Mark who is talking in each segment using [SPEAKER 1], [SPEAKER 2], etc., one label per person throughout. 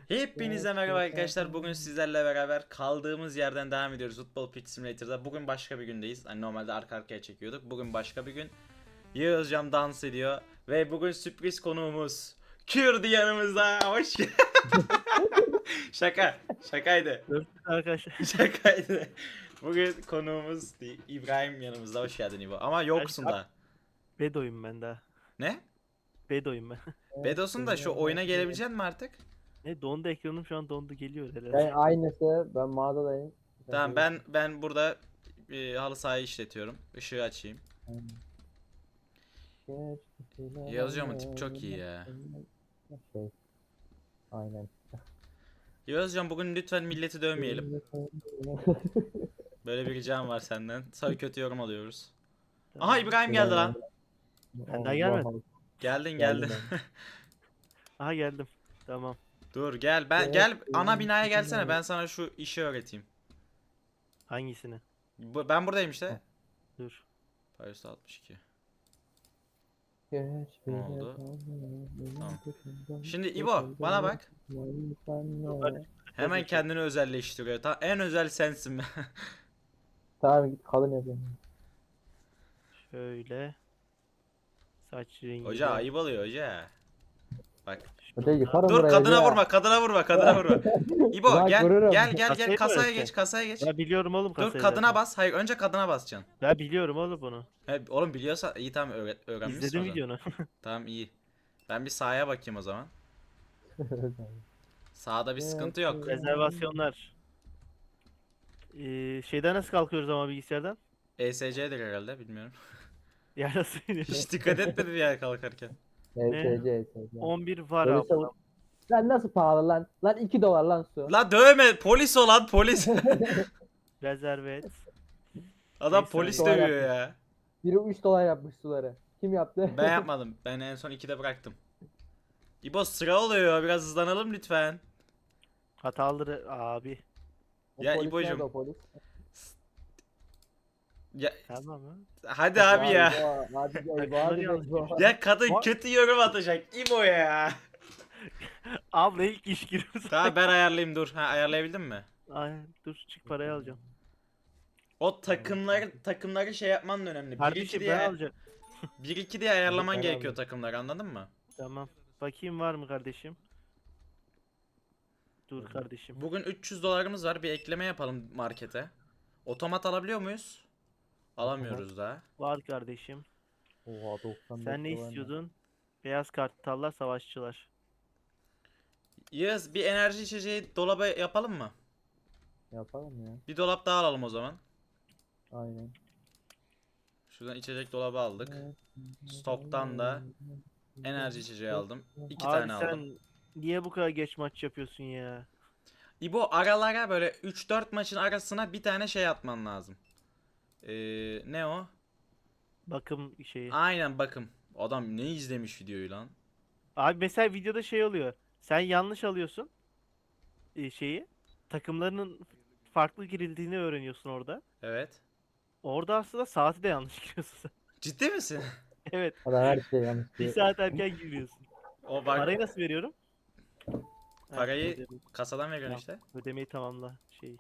[SPEAKER 1] Hepinize merhaba arkadaşlar. Bugün sizlerle beraber kaldığımız yerden devam ediyoruz Football Pitch Simulator'da. Bugün başka bir gündeyiz. Hani normalde arka arkaya çekiyorduk. Bugün başka bir gün. Yağızcan dans ediyor. Ve bugün sürpriz konuğumuz Kürdi yanımızda. Hoş geldin. Şaka. Şakaydı.
[SPEAKER 2] Arkadaşlar.
[SPEAKER 1] Şakaydı. Bugün konuğumuz İbrahim yanımızda. Hoş geldin İbo. Ama yoksun da.
[SPEAKER 2] Bedo'yum ben daha.
[SPEAKER 1] Ne?
[SPEAKER 2] Bedo'yum ben.
[SPEAKER 1] Bedos'un da şu oyuna gelebilecek mi artık?
[SPEAKER 2] Ne dondu ekranım şu an dondu geliyor herhalde.
[SPEAKER 3] Ben aynısı. Ben mağazadayım.
[SPEAKER 1] Tamam ben burada halı sahayı işletiyorum. Işığı açayım. Yağız Hocam'ın tip çok iyi ya.
[SPEAKER 3] Şey. Aynen.
[SPEAKER 1] Yağız Hocam bugün lütfen milleti dövmeyelim. Böyle bir ricam var senden. Sana kötü yorum alıyoruz. Aha İbrahim geldi lan.
[SPEAKER 2] Ben daha gelmedim.
[SPEAKER 1] Geldin.
[SPEAKER 2] Aha geldim. Tamam.
[SPEAKER 1] Dur gel ana binaya gelsene, ben sana şu işi öğreteyim.
[SPEAKER 2] Hangisini?
[SPEAKER 1] Ben buradayım işte.
[SPEAKER 2] Dur.
[SPEAKER 1] Paris 62. Ne oldu? Tamam. Şimdi İbo bana bak. Hemen kendini özelleştiriyor. En özel sensin.
[SPEAKER 3] Tamam git kadın yapayım.
[SPEAKER 2] Şöyle. Saç rengi.
[SPEAKER 1] Hoca ayıp oluyor hoca. Bak.
[SPEAKER 3] Öte yıkarım
[SPEAKER 1] Dur
[SPEAKER 3] buraya
[SPEAKER 1] kadına
[SPEAKER 3] ya.
[SPEAKER 1] vurma, kadına vurma. İbo
[SPEAKER 3] Bak, vururum.
[SPEAKER 1] gel
[SPEAKER 2] Kasayı mı
[SPEAKER 1] kasaya
[SPEAKER 2] öğreteceksin?
[SPEAKER 1] geç, kasaya geç.
[SPEAKER 2] Ben biliyorum oğlum
[SPEAKER 1] Dur
[SPEAKER 2] kasayı
[SPEAKER 1] kadına
[SPEAKER 2] zaten.
[SPEAKER 1] bas. Hayır, önce kadına basacaksın.
[SPEAKER 2] Ben biliyorum oğlum bunu.
[SPEAKER 1] Oğlum biliyorsa iyi, tamam, öğrenmişsin
[SPEAKER 2] İzledim
[SPEAKER 1] o zaman.
[SPEAKER 2] videonu.
[SPEAKER 1] Tamam iyi. Ben bir sahaya bakayım o zaman. Sağda bir sıkıntı yok.
[SPEAKER 2] Rezervasyonlar. Şeyden nasıl kalkıyoruz ama bilgisayardan?
[SPEAKER 1] ESC'dir herhalde, bilmiyorum.
[SPEAKER 2] Ya nasıl
[SPEAKER 1] Hiç dikkat etmedim ya kalkarken.
[SPEAKER 3] ESC, ESC.
[SPEAKER 2] 11 var
[SPEAKER 3] Öyle
[SPEAKER 2] abi.
[SPEAKER 3] savun- Lan nasıl pahalı lan? Lan 2 dolar lan su.
[SPEAKER 1] La dövme, polis olan polis.
[SPEAKER 2] Rezerve et.
[SPEAKER 1] Adam
[SPEAKER 2] Neyse,
[SPEAKER 1] polis
[SPEAKER 3] hadi.
[SPEAKER 1] dövüyor ya.
[SPEAKER 3] Biri 3 dolar yapmış suları. Kim yaptı?
[SPEAKER 1] Ben yapmadım. Ben en son 2'de bıraktım. İbo sıra oluyor. Biraz hızlanalım lütfen.
[SPEAKER 2] Hataları abi.
[SPEAKER 3] O
[SPEAKER 1] Ya
[SPEAKER 3] polis
[SPEAKER 1] İbo'cum.
[SPEAKER 3] nerede o polis?
[SPEAKER 1] Ya
[SPEAKER 2] Tamam mı?
[SPEAKER 1] hadi abi ya.
[SPEAKER 3] Hadi
[SPEAKER 2] Bak,
[SPEAKER 3] hadi
[SPEAKER 2] yanlış
[SPEAKER 3] İbo.
[SPEAKER 1] Ya kadın
[SPEAKER 2] Bak.
[SPEAKER 1] kötü yorum atacak. İbo ya.
[SPEAKER 2] Abla ilk iş giriyorsun.
[SPEAKER 1] Tamam ben ayarlayayım, dur. Ha, ayarlayabildin mi?
[SPEAKER 2] Aynen dur çık parayı alacağım.
[SPEAKER 1] O takımları şey yapman da önemli. 1-2
[SPEAKER 2] Kardeşim ben
[SPEAKER 1] diye
[SPEAKER 2] alacağım.
[SPEAKER 1] 1-2 diye ayarlaman
[SPEAKER 3] Ben
[SPEAKER 1] gerekiyor
[SPEAKER 3] aldım.
[SPEAKER 1] takımları, anladın mı?
[SPEAKER 2] Tamam. Bakayım var mı kardeşim? Dur kardeşim.
[SPEAKER 1] Bugün 300 dolarımız var. Bir ekleme yapalım markete. Otomat alabiliyor muyuz? Alamıyoruz daha.
[SPEAKER 2] Var kardeşim.
[SPEAKER 3] Oha 95
[SPEAKER 2] Sen ne
[SPEAKER 3] dolar
[SPEAKER 2] istiyordun? Beyaz kartallar savaşçılar.
[SPEAKER 1] Yağız, bir enerji içeceği dolaba yapalım mı?
[SPEAKER 3] Yapalım ya.
[SPEAKER 1] Bir dolap daha alalım o zaman.
[SPEAKER 3] Aynen.
[SPEAKER 1] Şuradan içecek dolabı aldık. Stoktan da enerji içeceği aldım. 2
[SPEAKER 2] Abi
[SPEAKER 1] tane
[SPEAKER 2] sen
[SPEAKER 1] aldım.
[SPEAKER 2] niye bu kadar geç maç yapıyorsun ya?
[SPEAKER 1] İbo aralara böyle 3-4 maçın arasına bir tane şey atman lazım. Ne o?
[SPEAKER 2] Bakım şeyi.
[SPEAKER 1] Aynen, bakım. Adam ne izlemiş videoyu lan?
[SPEAKER 2] Abi mesela videoda şey oluyor. Sen yanlış alıyorsun şeyi. Takımlarının farklı girildiğini öğreniyorsun orada.
[SPEAKER 1] Evet.
[SPEAKER 2] Orada aslında saati de yanlış giriyorsun sen.
[SPEAKER 1] Ciddi misin?
[SPEAKER 2] Evet.
[SPEAKER 3] Adam her şey yanlış.
[SPEAKER 2] Bir saat erken giriyorsun.
[SPEAKER 1] O bak,
[SPEAKER 2] Parayı nasıl veriyorum? Ha,
[SPEAKER 1] parayı
[SPEAKER 2] ödeme-
[SPEAKER 1] kasadan veriyorsun
[SPEAKER 2] Tamam,
[SPEAKER 1] işte.
[SPEAKER 2] ödemeyi tamamla şeyi.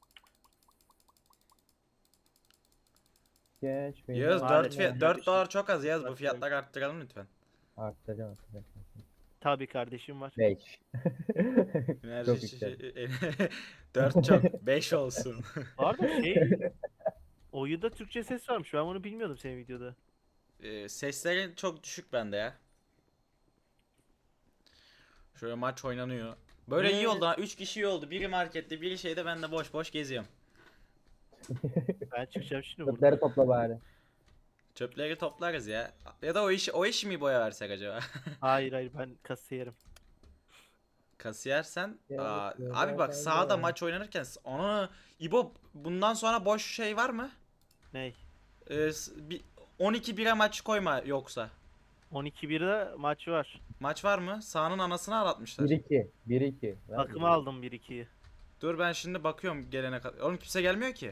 [SPEAKER 3] Geç beni.
[SPEAKER 1] Yağız
[SPEAKER 2] Maalesef.
[SPEAKER 1] 4 dolar çok az Yağız, bu fiyatları arttıralım lütfen.
[SPEAKER 3] Arttıracağım.
[SPEAKER 2] Tabii kardeşim var.
[SPEAKER 3] 5.
[SPEAKER 1] Enerji
[SPEAKER 3] Çok
[SPEAKER 1] içeceği 4 çok, 5 olsun.
[SPEAKER 2] Bu arada şey oyunda Türkçe ses varmış. Ben bunu bilmiyordum senin videoda.
[SPEAKER 1] Sesleri çok düşük bende ya. Şöyle maç oynanıyor. Böyle iyi oldu ha. 3 kişi iyi oldu. Biri markette, biri şeyde, ben de boş boş geziyorum.
[SPEAKER 2] Ben çıkacağım şimdi buradan.
[SPEAKER 3] Çöpleri topla bari.
[SPEAKER 1] Çöpleri toplarız ya. Ya da o iş mi boya versek acaba?
[SPEAKER 2] Hayır hayır ben kasiyerim.
[SPEAKER 1] Kasiyer sen.
[SPEAKER 3] Ya,
[SPEAKER 1] Abi bak, sahada maç oynanırken onu İbo, bundan sonra boş şey var mı?
[SPEAKER 2] Ney?
[SPEAKER 1] Bir 12 bire maç koyma yoksa.
[SPEAKER 2] 12-1'de maç var.
[SPEAKER 1] Maç var mı? Sahanın anasını ağlatmışlar.
[SPEAKER 3] 1-2. 1-2.
[SPEAKER 2] Bakıma aldım 1-2'yi.
[SPEAKER 1] Dur ben şimdi bakıyorum gelene kadar. Oğlum kimse gelmiyor ki.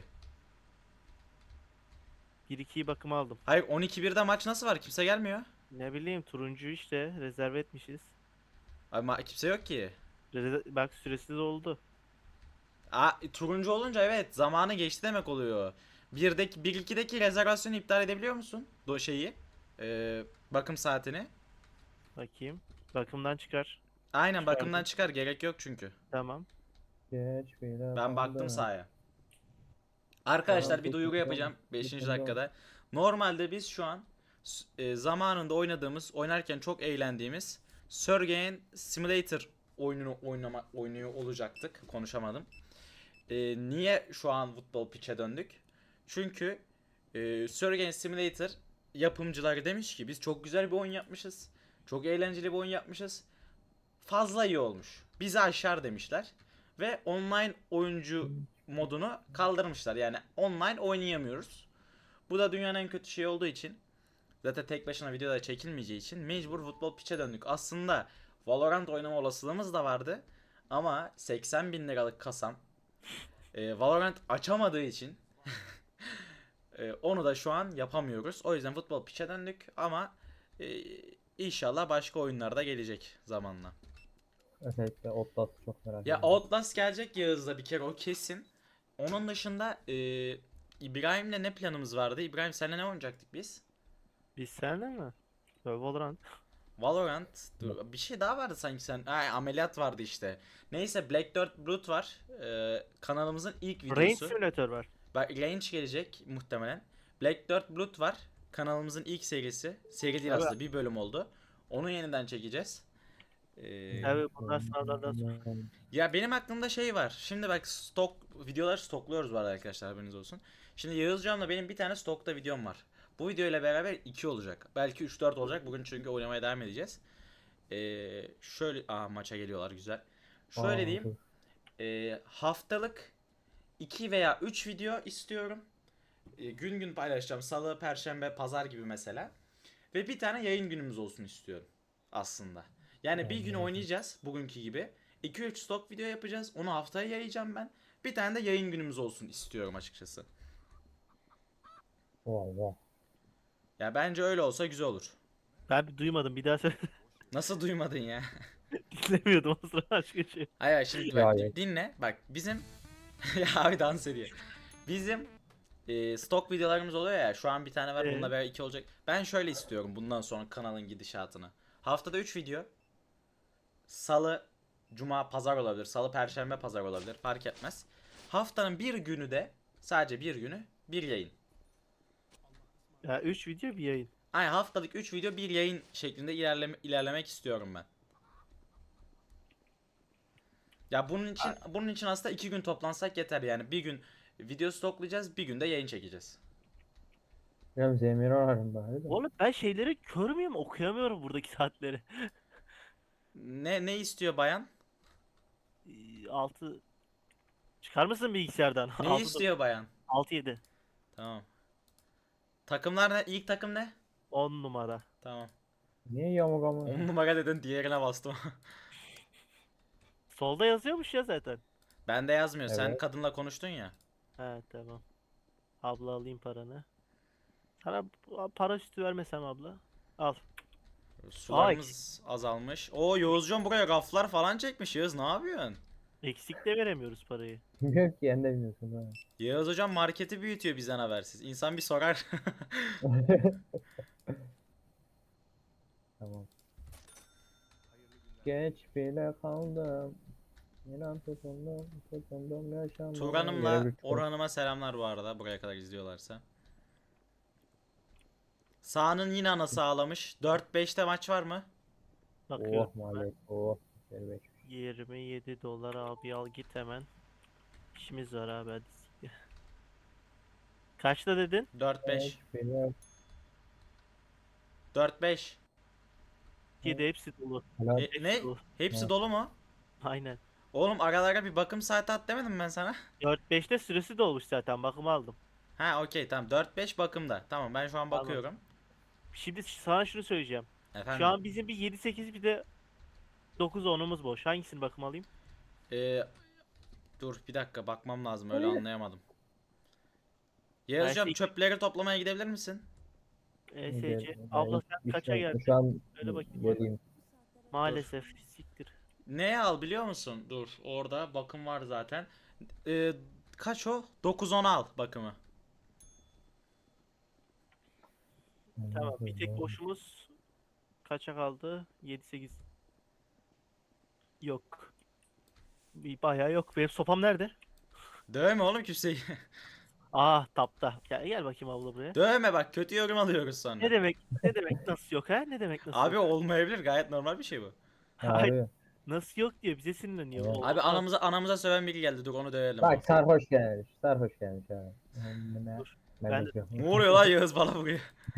[SPEAKER 2] 1-2'yi bakıma aldım.
[SPEAKER 1] Hayır, 12-1'de maç nasıl var? Kimse gelmiyor.
[SPEAKER 2] Ne bileyim turuncu işte rezerve etmişiz.
[SPEAKER 1] Abi kimse yok ki.
[SPEAKER 2] Bak süresi doldu.
[SPEAKER 1] Turuncu olunca evet zamanı geçti demek oluyor. 1-2'deki rezervasyonu iptal edebiliyor musun? Bakım saatini.
[SPEAKER 2] Bakayım. Bakımdan çıkar.
[SPEAKER 1] Aynen bakımdan
[SPEAKER 2] Çıkardım.
[SPEAKER 1] çıkar, gerek yok çünkü.
[SPEAKER 2] Tamam.
[SPEAKER 3] Geç bile
[SPEAKER 1] Ben baktım
[SPEAKER 3] kaldım.
[SPEAKER 1] sahaya. Arkadaşlar bir duyuru
[SPEAKER 3] Tutundum,
[SPEAKER 1] yapacağım 5.
[SPEAKER 3] tutundum.
[SPEAKER 1] dakikada. Normalde biz şu an zamanında oynarken çok eğlendiğimiz Surgeon Simulator oynuyor olacaktık. Konuşamadım. Niye şu an futbol pitch'e döndük? Çünkü Surgeon Simulator yapımcıları demiş ki biz çok güzel bir oyun yapmışız. Çok eğlenceli bir oyun yapmışız. Fazla iyi olmuş. Bizi aşar demişler. Ve online oyuncu modunu kaldırmışlar. Yani online oynayamıyoruz. Bu da dünyanın en kötü şeyi olduğu için, zaten tek başına videoda çekilmeyeceği için mecbur futbol piçe döndük. Aslında Valorant oynama olasılığımız da vardı. Ama 80 bin liralık kasam Valorant açamadığı için onu da şu an yapamıyoruz. O yüzden futbol piçe döndük ama e, inşallah başka oyunlarda gelecek zamanla.
[SPEAKER 3] Özellikle Outlast'ı çok merak
[SPEAKER 1] Ya
[SPEAKER 3] ediyorum.
[SPEAKER 1] Outlast gelecek Yağız'da bir kere, o kesin. Onun dışında İbrahim'le ne planımız vardı? İbrahim seninle ne oynayacaktık biz?
[SPEAKER 2] Biz seninle mi? Valorant.
[SPEAKER 1] Valorant. Dur, bir şey daha vardı sanki sen. Ay, ameliyat vardı işte. Neyse Black Dirt Blood var. Kanalımızın ilk
[SPEAKER 2] Range
[SPEAKER 1] videosu.
[SPEAKER 2] Simulator var.
[SPEAKER 1] Bak Range gelecek muhtemelen. Black Dirt Blood var. Kanalımızın ilk serisi. Seri değil
[SPEAKER 2] Abi,
[SPEAKER 1] aslında, bir bölüm oldu. Onu yeniden çekeceğiz.
[SPEAKER 2] abi bunlar sınavlardan sonra.
[SPEAKER 1] Ya benim aklımda şey var. Şimdi bak videoları stokluyoruz bu arada arkadaşlar, haberiniz olsun. Şimdi Yağızcan'la benim bir tane stokta videom var. Bu video ile beraber 2 olacak. Belki 3-4 olacak. Bugün çünkü oynamaya devam edeceğiz. Şöyle maça geliyorlar, güzel. Şöyle
[SPEAKER 3] Aa,
[SPEAKER 1] diyeyim.
[SPEAKER 3] dur.
[SPEAKER 1] Haftalık 2 veya 3 video istiyorum. Gün gün paylaşacağım. Salı, Perşembe, Pazar gibi mesela. Ve bir tane yayın günümüz olsun istiyorum aslında. Yani bir gün
[SPEAKER 3] Anladım.
[SPEAKER 1] oynayacağız bugünkü gibi. 2-3 stok video yapacağız. Onu haftaya yayacağım ben. Bir tane de yayın günümüz olsun istiyorum açıkçası.
[SPEAKER 3] Wow, wow.
[SPEAKER 1] Ya bence öyle olsa güzel olur.
[SPEAKER 2] Ben bir duymadım. Bir daha söyle.
[SPEAKER 1] Nasıl duymadın ya?
[SPEAKER 2] Dinlemiyordum o sıra başka şey.
[SPEAKER 1] Hayır şimdi
[SPEAKER 3] Ya
[SPEAKER 1] bak
[SPEAKER 3] evet.
[SPEAKER 1] dinle. Bak bizim ya abi dans ediyor. Bizim stok videolarımız oluyor ya. Şu an bir tane var. Bununla beraber 2 olacak. Ben şöyle istiyorum bundan sonra kanalın gidişatını. Haftada 3 video. Salı, Cuma, Pazar olabilir. Salı, Perşembe, Pazar olabilir. Fark etmez. Haftanın bir günü de, sadece bir günü, bir yayın.
[SPEAKER 2] Ya 3 video bir yayın.
[SPEAKER 1] Ay haftalık 3 video bir yayın şeklinde ilerlemek istiyorum ben. Ya bunun için aslında 2 gün toplansak yeter yani. Bir gün video stoklayacağız, bir gün de yayın çekeceğiz.
[SPEAKER 3] Biraz Zemir ararım bari de.
[SPEAKER 2] Oğlum ben şeyleri kör müyüm? Okuyamıyorum buradaki saatleri.
[SPEAKER 1] Ne istiyor bayan?
[SPEAKER 2] 6 çıkar mısın bilgisayardan?
[SPEAKER 1] Ne istiyor bayan?
[SPEAKER 2] 6 7.
[SPEAKER 1] Tamam. Takımlar ne? İlk takım ne?
[SPEAKER 2] 10 numara.
[SPEAKER 1] Tamam.
[SPEAKER 3] Niye yamuk ama?
[SPEAKER 1] 10 numara dedin, diğerine bastım.
[SPEAKER 2] Solda yazıyormuş ya zaten.
[SPEAKER 1] Bende yazmıyor. Sen
[SPEAKER 3] Evet.
[SPEAKER 1] kadınla konuştun ya.
[SPEAKER 2] He tamam. Abla alayım paranı. Sana para üstü vermesem abla. Al.
[SPEAKER 1] Sularımız azalmış. O Yağızcan buraya raflar falan çekmiş. Yağız ne yapıyorsun?
[SPEAKER 2] Eksik de veremiyoruz parayı.
[SPEAKER 3] Bilmiyorum ki, sen de bilmiyorsun ha.
[SPEAKER 1] Yağız hocam marketi büyütüyor bizden habersiz. İnsan bir sorar.
[SPEAKER 3] Tamam. Geç bile kaldım. İnan tutundum yaşamaya.
[SPEAKER 1] Turan'ımla
[SPEAKER 3] Görev üç var.
[SPEAKER 1] Orhan'ıma selamlar bu arada. Buraya kadar izliyorlarsa. Sağ'ın yine anası ağlamış. 4-5'te maç var mı?
[SPEAKER 2] Bakıyorum.
[SPEAKER 3] Oh maliyet, oh. Gel be.
[SPEAKER 2] 27 dolar abi al git hemen. İşimiz var abi hadi. Kaçta dedin?
[SPEAKER 1] 4-5.
[SPEAKER 3] Geç bile
[SPEAKER 1] 4-5.
[SPEAKER 2] 7 hepsi dolu.
[SPEAKER 3] kaldım.
[SPEAKER 1] Ne?
[SPEAKER 2] Dolu.
[SPEAKER 1] Hepsi
[SPEAKER 3] Ha.
[SPEAKER 1] dolu mu?
[SPEAKER 2] Aynen.
[SPEAKER 1] Oğlum aralara bir bakım saati at demedim ben sana.
[SPEAKER 2] 4-5'te süresi dolmuş zaten bakımı aldım.
[SPEAKER 1] Ha okey tamam. 4-5 bakımda. Tamam ben şu an
[SPEAKER 2] Tamam.
[SPEAKER 1] bakıyorum.
[SPEAKER 2] Şimdi sana şunu söyleyeceğim. Şu
[SPEAKER 1] Efendim.
[SPEAKER 2] an bizim bir 7-8 bir de 9-10'umuz boş. Hangisini bakım alayım?
[SPEAKER 1] Ee, dur bir dakika bakmam lazım, öyle anlayamadım.
[SPEAKER 2] Ben
[SPEAKER 1] Yağız hocam
[SPEAKER 2] şey-
[SPEAKER 1] çöpleri toplamaya gidebilir misin?
[SPEAKER 2] ESC. Abla sen kaça geldin?
[SPEAKER 3] Şu an
[SPEAKER 2] Öyle bakayım.
[SPEAKER 3] geleyim.
[SPEAKER 2] Maalesef siktir.
[SPEAKER 1] neye al biliyor musun? Dur, orada bakım var zaten. Ee, Kaç o? 9-10 al bakımı.
[SPEAKER 2] Tamam, bir tek boşumuz kaça kaldı? 7-8. Yok. Bir bayağı yok. Benim sopam nerede?
[SPEAKER 1] Dövme oğlum kimseyi.
[SPEAKER 2] Ah, tapta. Gel bakayım abla buraya.
[SPEAKER 1] Dövme bak, kötü yorum alıyoruz
[SPEAKER 2] Ne
[SPEAKER 1] sonra.
[SPEAKER 2] demek? Ne demek nasıl yok ha? Ne demek nasıl
[SPEAKER 1] Abi
[SPEAKER 2] yok?
[SPEAKER 1] olmayabilir, gayet normal bir şey bu.
[SPEAKER 2] Hayır,
[SPEAKER 3] Abi.
[SPEAKER 2] nasıl yok diyor, bize sinirleniyor.
[SPEAKER 3] Evet.
[SPEAKER 1] Abi
[SPEAKER 2] Olmaz.
[SPEAKER 1] anamıza söven biri geldi, dur onu dövelim.
[SPEAKER 3] Bak sarhoş gelmiş. Sarhoş gelmiş abi.
[SPEAKER 2] Dur.
[SPEAKER 3] Ben
[SPEAKER 2] Ben
[SPEAKER 3] de
[SPEAKER 2] de
[SPEAKER 1] Ne oluyor lan, Yağız bana vuruyor.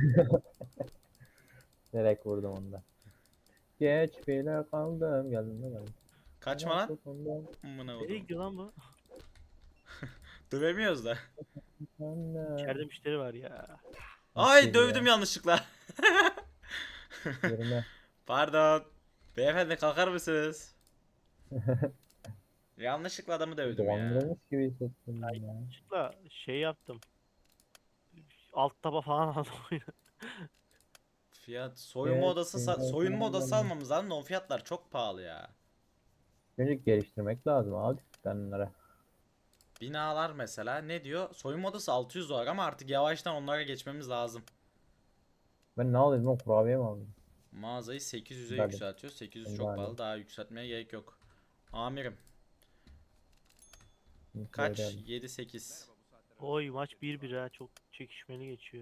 [SPEAKER 3] direkt vurdum onu da. Geç bile kaldım. Geldim de geldim.
[SPEAKER 1] Kaçma lan. Amına
[SPEAKER 2] nereye
[SPEAKER 1] koydum.
[SPEAKER 2] gidiyor lan bu?
[SPEAKER 1] Dövemiyoruz da.
[SPEAKER 2] İçeride müşteri var ya.
[SPEAKER 1] Ay dövdüm yanlışlıkla.
[SPEAKER 3] Yerine.
[SPEAKER 1] Pardon. Beyefendi kalkar mısınız? Yanlışlıkla adamı dövdüm ya.
[SPEAKER 3] Dolandırılmış gibi hissettim
[SPEAKER 2] Ay,
[SPEAKER 3] ya.
[SPEAKER 2] yanlışlıkla şey yaptım. Alt taba falan aldım oyunu.
[SPEAKER 1] Fiyat soyunma odası
[SPEAKER 3] Evet,
[SPEAKER 1] soyunma odası
[SPEAKER 3] evet.
[SPEAKER 1] almamız lazım da o fiyatlar çok pahalı ya.
[SPEAKER 3] Önce geliştirmek lazım abi dükkanlara.
[SPEAKER 1] Binalar mesela ne diyor? Soyunma odası 600 dolar ama artık yavaştan onlara geçmemiz lazım.
[SPEAKER 3] Ben ne alayım lan, kurabiye mi alayım?
[SPEAKER 1] Mağazayı 800'e
[SPEAKER 3] Hadi.
[SPEAKER 1] yükseltiyor. 800
[SPEAKER 3] Hadi
[SPEAKER 1] çok
[SPEAKER 3] hadi.
[SPEAKER 1] pahalı. Daha yükseltmeye gerek yok. Amirim
[SPEAKER 3] Şimdi
[SPEAKER 1] kaç?
[SPEAKER 3] söyleyelim.
[SPEAKER 1] 7-8.
[SPEAKER 2] Oy, maç 1-1 ha, çok çekişmeli geçiyor.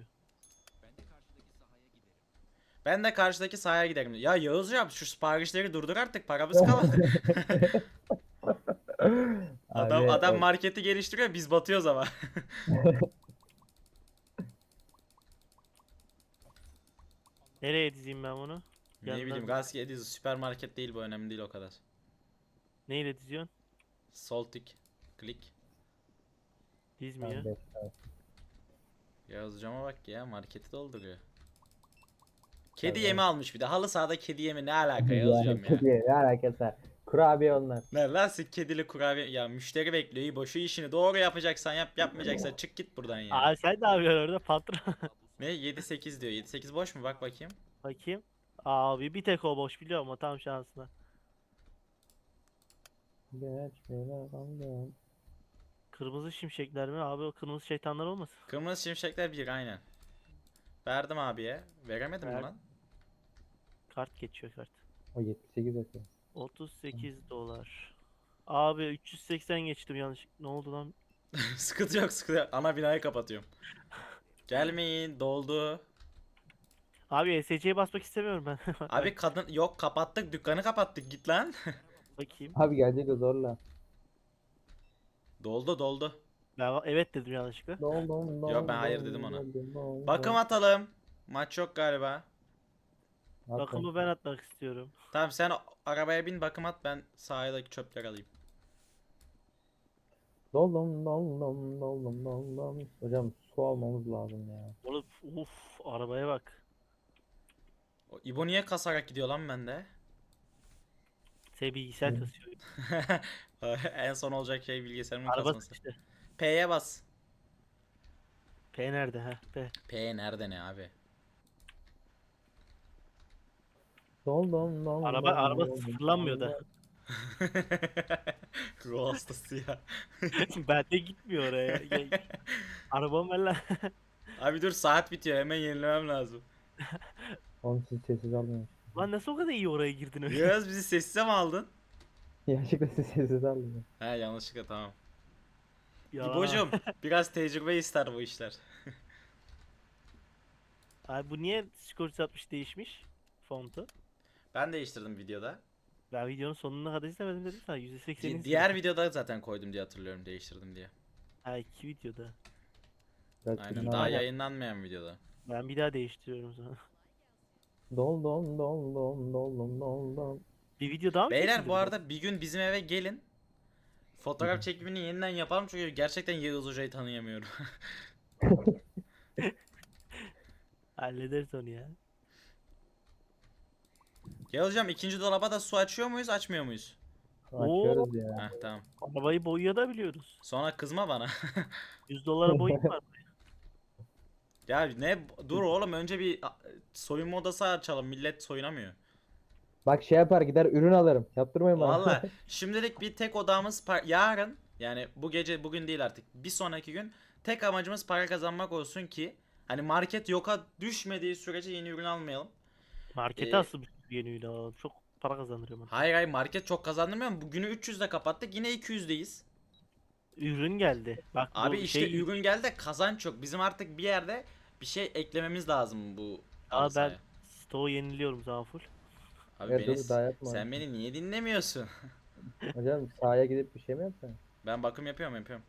[SPEAKER 1] Ben de karşıdaki sahaya giderim. Ya Yağızcığım şu siparişleri durdur artık, paramız kalmadı. Adam
[SPEAKER 3] Abi,
[SPEAKER 1] adam marketi geliştiriyor, biz batıyoruz ama.
[SPEAKER 2] Nereye dizeyim ben bunu?
[SPEAKER 1] Ne
[SPEAKER 2] Yandan
[SPEAKER 1] bileyim, Gazki Ediz süpermarket değil bu, önemli değil o kadar.
[SPEAKER 2] neyle diziyorsun?
[SPEAKER 1] Sol tık, klik.
[SPEAKER 2] Dizmiyor.
[SPEAKER 3] ben beş saat.
[SPEAKER 1] Yağızcığıma bak ya, marketi dolduruyor. Kedi
[SPEAKER 3] Evet.
[SPEAKER 1] yemi almış bir de. Halı sahada kedi yemi ne alaka
[SPEAKER 3] Yani
[SPEAKER 1] Yağızcığım ya.
[SPEAKER 3] kediye ne alakası var? Kurabiye onlar.
[SPEAKER 1] Ne lan siz kedili kurabiye, ya müşteri bekliyor, iyi boşu işini doğru yapacaksan yap, yapmayacaksan çık git buradan ya.
[SPEAKER 2] Aa, sen ne yapıyorsun orada patron?
[SPEAKER 1] Ne 7-8 diyor, 7-8 boş mu, bak bakayım.
[SPEAKER 2] Bakayım. Abi bir tek o boş biliyor musun? Tam şansına.
[SPEAKER 3] Geç bile kaldım.
[SPEAKER 2] Kırmızı şimşekler mi? Abi o kırmızı şeytanlar olmasın?
[SPEAKER 1] Kırmızı şimşekler bir, aynen. Verdim abiye. Veremedim mi
[SPEAKER 2] Ver.
[SPEAKER 1] lan?
[SPEAKER 2] Kart geçiyor kart.
[SPEAKER 3] O 78 atıyor.
[SPEAKER 2] 38 dolar. Abi 380 geçtim yanlış. Ne oldu lan?
[SPEAKER 1] Sıkıntı yok, sıkıntı yok. Ana binayı kapatıyorum. Gelmeyin, doldu.
[SPEAKER 2] Abi ESC'ye basmak istemiyorum ben.
[SPEAKER 1] Abi kadın yok, kapattık dükkanı, kapattık, git lan.
[SPEAKER 2] Bakayım.
[SPEAKER 3] Abi gelecek o zorla.
[SPEAKER 1] Doldu doldu.
[SPEAKER 2] Ben evet dedim yanlışlıkla.
[SPEAKER 3] Doldum
[SPEAKER 1] Yo, ben hayır dedim ona.
[SPEAKER 3] doldum.
[SPEAKER 1] Bakım atalım. Maç yok galiba.
[SPEAKER 2] Bakımı ben atmak istiyorum.
[SPEAKER 1] Tamam sen arabaya bin, bakım at, ben sahildeki çöpleri alayım.
[SPEAKER 3] Doldum. Hocam su almamız lazım ya.
[SPEAKER 2] Oğlum arabaya bak.
[SPEAKER 1] O İbo niye kasarak gidiyor lan bende?
[SPEAKER 2] Şey, bilgisayar
[SPEAKER 3] Hı.
[SPEAKER 2] kasıyor.
[SPEAKER 1] En son olacak şey bilgisayarımın
[SPEAKER 2] Araba
[SPEAKER 1] kasması.
[SPEAKER 2] işte.
[SPEAKER 1] P'ye bas.
[SPEAKER 2] P nerede ha? P.
[SPEAKER 1] P nerede ne abi?
[SPEAKER 3] Doldum.
[SPEAKER 2] Araba sıfırlanmıyor da.
[SPEAKER 1] Ruh hastası ya.
[SPEAKER 2] Ben de gitmiyor oraya. Arabam ben lan.
[SPEAKER 1] Abi dur, saat bitiyor, hemen yenilemem lazım.
[SPEAKER 3] Oğlum siz sessiz almayın.
[SPEAKER 2] Lan nasıl o kadar iyi oraya girdin öyle?
[SPEAKER 1] Yağız bizi sessize mi aldın?
[SPEAKER 3] Gerçekten siz sessiz almayın.
[SPEAKER 1] He yanlışlıkla, tamam.
[SPEAKER 2] Yalan.
[SPEAKER 1] İbo'cum biraz tecrübe ister bu işler.
[SPEAKER 2] Abi bu niye skor 360 değişmiş? Fontu.
[SPEAKER 1] Ben değiştirdim videoda.
[SPEAKER 2] Ben videonun sonuna kadar izlemedim dedim sana. %80'ini
[SPEAKER 1] Diğer videoda zaten koydum diye hatırlıyorum, değiştirdim diye.
[SPEAKER 2] Ha, 2 videoda.
[SPEAKER 1] Aynen, daha yayınlanmayan videoda.
[SPEAKER 2] Ben bir daha değiştiriyorum sana.
[SPEAKER 3] Doldum.
[SPEAKER 2] Bir video daha mı
[SPEAKER 1] Beyler
[SPEAKER 2] çekildin
[SPEAKER 1] bu
[SPEAKER 2] be?
[SPEAKER 1] arada bir gün bizim eve gelin. Fotoğraf çekimini yeniden yapalım çünkü gerçekten Yağız Hoca'yı tanıyamıyorum.
[SPEAKER 2] Hallederiz onu ya.
[SPEAKER 1] Yağız Hocam, ikinci dolaba da su açıyor muyuz, açmıyor muyuz?
[SPEAKER 3] Açıyoruz ya.
[SPEAKER 1] Heh tamam.
[SPEAKER 2] Arabayı boyayabiliyoruz.
[SPEAKER 1] Sonra kızma bana.
[SPEAKER 2] 100 dolara boyayım var.
[SPEAKER 1] Ya ne, dur oğlum, önce bir soyunma odası açalım, millet soyunamıyor.
[SPEAKER 3] Bak şey yapar gider ürün alırım. Yaptırmayın bana.
[SPEAKER 1] Valla şimdilik bir tek odamız yarın, yani bu gece, bugün değil artık, bir sonraki gün tek amacımız para kazanmak olsun ki hani market yoka düşmediği sürece yeni ürün almayalım.
[SPEAKER 2] Markete
[SPEAKER 1] Ee,
[SPEAKER 2] asıl bir yeni ürün alalım. Çok para kazandırıyor bana.
[SPEAKER 1] hayır hayır, market çok kazandırmıyor mu? Bugünü 300'de kapattık, yine 200'deyiz.
[SPEAKER 2] Ürün geldi. Bak
[SPEAKER 1] Abi
[SPEAKER 2] bu
[SPEAKER 1] işte
[SPEAKER 2] şey
[SPEAKER 1] ürün geldi de kazanç yok. Bizim artık bir yerde bir şey eklememiz lazım bu halı
[SPEAKER 2] Aa, ben
[SPEAKER 1] sahaya.
[SPEAKER 2] stoğu yeniliyorum zaman full.
[SPEAKER 1] Abi
[SPEAKER 3] Ya dur daha yapma.
[SPEAKER 1] sen beni niye dinlemiyorsun?
[SPEAKER 3] Hocam sahaya gidip bir şey mi yapacaksın?
[SPEAKER 1] Ben bakım yapıyorum.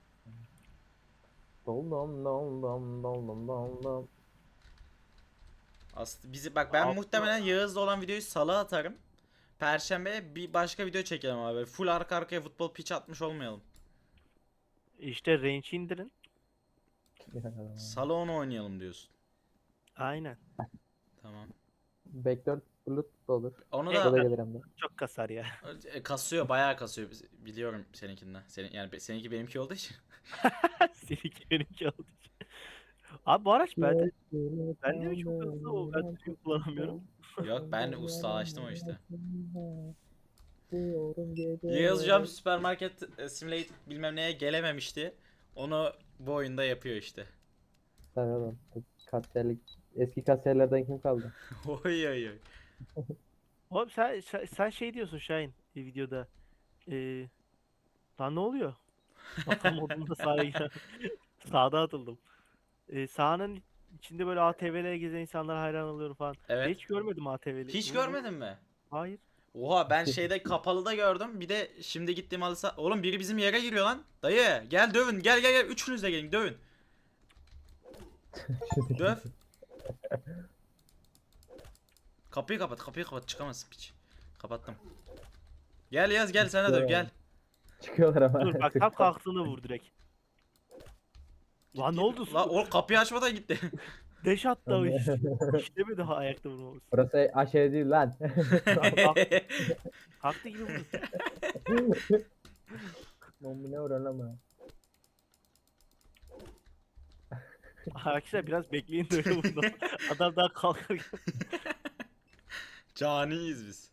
[SPEAKER 3] Dom dom dom dom dom dom dom dom.
[SPEAKER 1] Aslında bizi bak, ben muhtemelen Yağız'la olan videoyu salı atarım. Perşembe bir başka video çekelim abi. Full arka arkaya futbol pitch atmış olmayalım.
[SPEAKER 2] İşte range indirin.
[SPEAKER 1] Salı onu oynayalım diyorsun.
[SPEAKER 2] Aynen.
[SPEAKER 1] Tamam.
[SPEAKER 3] Backdoor Bluetooth da olur.
[SPEAKER 1] Onu
[SPEAKER 3] O da
[SPEAKER 1] da
[SPEAKER 3] gelir hem de.
[SPEAKER 2] Çok kasar ya.
[SPEAKER 1] kasıyor, bayağı kasıyor. Biliyorum seninkinden. Yani seninki benimki olduğu için.
[SPEAKER 2] Seninki benimki oldu. Abi bu araç bende mi çok hızlı o? Ben düzgün kullanamıyorum.
[SPEAKER 1] Yok, ben ustalaştım o işte.
[SPEAKER 3] Diyorum
[SPEAKER 1] Yağız hocam
[SPEAKER 3] geceleri.
[SPEAKER 1] süpermarket simulate bilmem neye gelememişti. Onu bu oyunda yapıyor işte.
[SPEAKER 3] Tabii oğlum. Kasiyerlik. Eski kasiyerlerden kim kaldı?
[SPEAKER 1] Oy oy oy.
[SPEAKER 2] Oğlum sen şey diyorsun Şahin videoda. Ee, lan ne oluyor? Vatan modunda sahaya giren. Sağda atıldım. Sahanın içinde böyle ATV'lere gezen insanlara hayran oluyorum falan. Ben
[SPEAKER 1] Evet.
[SPEAKER 2] hiç görmedim ATV'li.
[SPEAKER 1] Hiç görmedin mi?
[SPEAKER 2] Hayır.
[SPEAKER 1] Oha, ben şeyde kapalıda gördüm. Bir de şimdi gittiğim halı. Oğlum biri bizim yere giriyor lan. Dayı gel dövün. Gel. Üçünüz de gelin dövün. Döv. Kapıyı kapat. Çıkamazsın piç. Kapattım. Gel Yaz, gel sana döv gel.
[SPEAKER 3] Çıkıyorlar ama.
[SPEAKER 2] Dur bak tam kalktığında vur direkt. Lan ne oldu?
[SPEAKER 1] La o kapıyı açmadan gitti.
[SPEAKER 2] Deş attı o iş. İşlemedi ha ayakta vurmamız.
[SPEAKER 3] Burası aşağı değil lan.
[SPEAKER 2] Kalktı gibi vurdu.
[SPEAKER 3] Bombine vuran ama.
[SPEAKER 2] Arkadaşlar biraz bekleyin de öyle vurdu. Adam daha kalkar.
[SPEAKER 1] Caniyiz biz.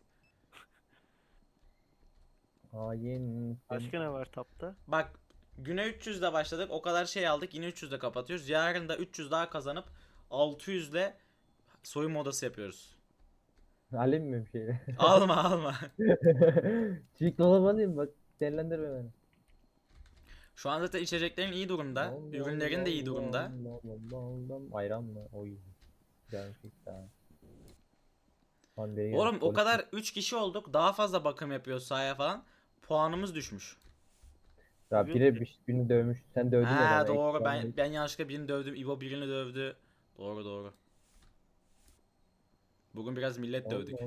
[SPEAKER 3] Hain.
[SPEAKER 2] Başka ne var tapta?
[SPEAKER 1] Bak, güne 300'de başladık. O kadar şey aldık. Yine 300'de kapatıyoruz. Yarın da 300 daha kazanıp 600'le soyunma odası yapıyoruz.
[SPEAKER 3] Alayım mı bir şey?
[SPEAKER 1] Alma.
[SPEAKER 3] Çiğ kola alayım bak. Değerlendirme beni.
[SPEAKER 1] Şu an zaten içeceklerin iyi durumda. Ürünlerin de iyi durumda.
[SPEAKER 3] Ayran mı? Oy. Güzel fikir ha. Hadi
[SPEAKER 1] Oğlum o kadar 3 kişi olduk. Daha fazla bakım yapıyoruz sahaya falan. Puanımız düşmüş.
[SPEAKER 3] Ya biri birini dövmüş. Sen dövdün ya
[SPEAKER 1] Ha
[SPEAKER 3] bana.
[SPEAKER 1] doğru,
[SPEAKER 3] Ekstra
[SPEAKER 1] ben yanlışlıkla birini dövdüm. İbo birini dövdü. Doğru. Bugün biraz millet dövdük.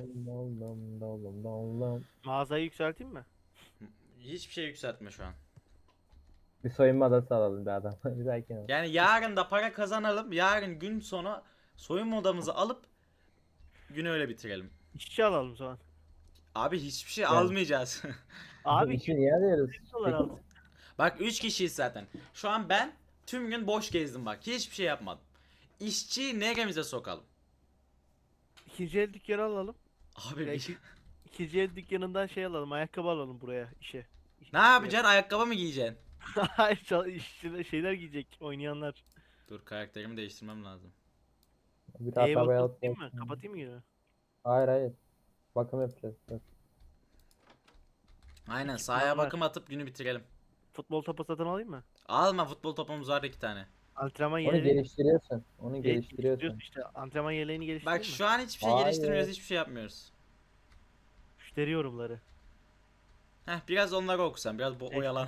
[SPEAKER 2] Mağazayı yükselteyim mi?
[SPEAKER 1] Hiçbir şey yükseltme şu an.
[SPEAKER 3] Bir soyunma adası alalım bir adam. Bir dahaki al.
[SPEAKER 1] Yani yarın da para kazanalım. Yarın gün sonu soyunma odamızı alıp günü öyle bitirelim.
[SPEAKER 2] İşçi alalım o zaman.
[SPEAKER 1] Abi hiçbir şey
[SPEAKER 3] Yani.
[SPEAKER 1] almayacağız.
[SPEAKER 2] Abi
[SPEAKER 3] İşi niye arıyoruz?
[SPEAKER 2] dolar aldık.
[SPEAKER 1] Bak 3 kişiyiz zaten. Şu an ben tüm gün boş gezdim bak. Hiçbir şey yapmadım. İşçiyi neremize sokalım?
[SPEAKER 2] İkinci el dükkanı alalım.
[SPEAKER 1] Abi
[SPEAKER 2] Belki ikinci el dükkanından şey alalım. Ayakkabı alalım buraya işe.
[SPEAKER 1] ne yapacaksın? Ayakkabı mı giyeceksin?
[SPEAKER 2] Hayır işçiler şeyler giyecek oynayanlar.
[SPEAKER 1] Dur, karakterimi değiştirmem lazım.
[SPEAKER 3] Bir daha
[SPEAKER 2] Eyvallah
[SPEAKER 3] tabaya
[SPEAKER 2] kapatayım mı?
[SPEAKER 3] atmak.
[SPEAKER 2] Kapatayım mı yine?
[SPEAKER 3] Hayır. Bakım yapacağız. Dur.
[SPEAKER 1] Aynen,
[SPEAKER 2] İki
[SPEAKER 1] sahaya
[SPEAKER 2] plan var.
[SPEAKER 1] bakım atıp günü bitirelim.
[SPEAKER 2] Futbol topu satın alayım mı?
[SPEAKER 1] Alma, futbol topumuz var 2 tane.
[SPEAKER 2] Antrenman
[SPEAKER 3] Onu
[SPEAKER 2] yeleği
[SPEAKER 3] geliştiriyorsun. Onu
[SPEAKER 2] geliştiriyorsun
[SPEAKER 3] geliştiriyorsun.
[SPEAKER 2] işte. Antrenman yeleğini
[SPEAKER 1] Bak
[SPEAKER 2] geliştireyim mi?
[SPEAKER 1] şu an hiçbir şey
[SPEAKER 3] Hayır.
[SPEAKER 1] geliştirmiyoruz, hiçbir şey yapmıyoruz.
[SPEAKER 2] Müşteri yorumları.
[SPEAKER 1] Heh, biraz onları okusan, biraz bu
[SPEAKER 2] Evet.
[SPEAKER 1] oyalan.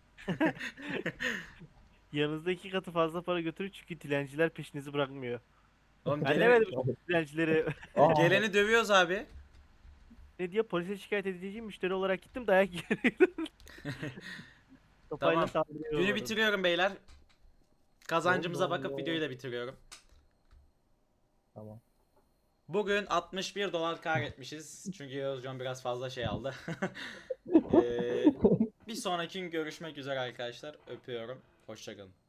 [SPEAKER 2] Yanınızda 2 katı fazla para götürün çünkü dilenciler peşinizi bırakmıyor.
[SPEAKER 1] Oğlum
[SPEAKER 2] Ben
[SPEAKER 1] geleni,
[SPEAKER 2] demedim dilencileri.
[SPEAKER 3] Aa,
[SPEAKER 1] geleni dövüyoruz abi.
[SPEAKER 2] Ne diyor polise şikayet edeceğim müşteri olarak gittim dayak yedim. Sopayla
[SPEAKER 1] Tamam.
[SPEAKER 2] saldırıyor
[SPEAKER 1] Günü
[SPEAKER 2] umarım.
[SPEAKER 1] bitiriyorum beyler. Kazancımıza
[SPEAKER 3] Allah
[SPEAKER 1] bakıp
[SPEAKER 3] Allah.
[SPEAKER 1] videoyu da bitiriyorum.
[SPEAKER 3] Tamam.
[SPEAKER 1] Bugün 61 dolar kar etmişiz. Çünkü Yağız Can biraz fazla şey aldı. Bir sonraki gün görüşmek üzere arkadaşlar. Öpüyorum. Hoşçakalın.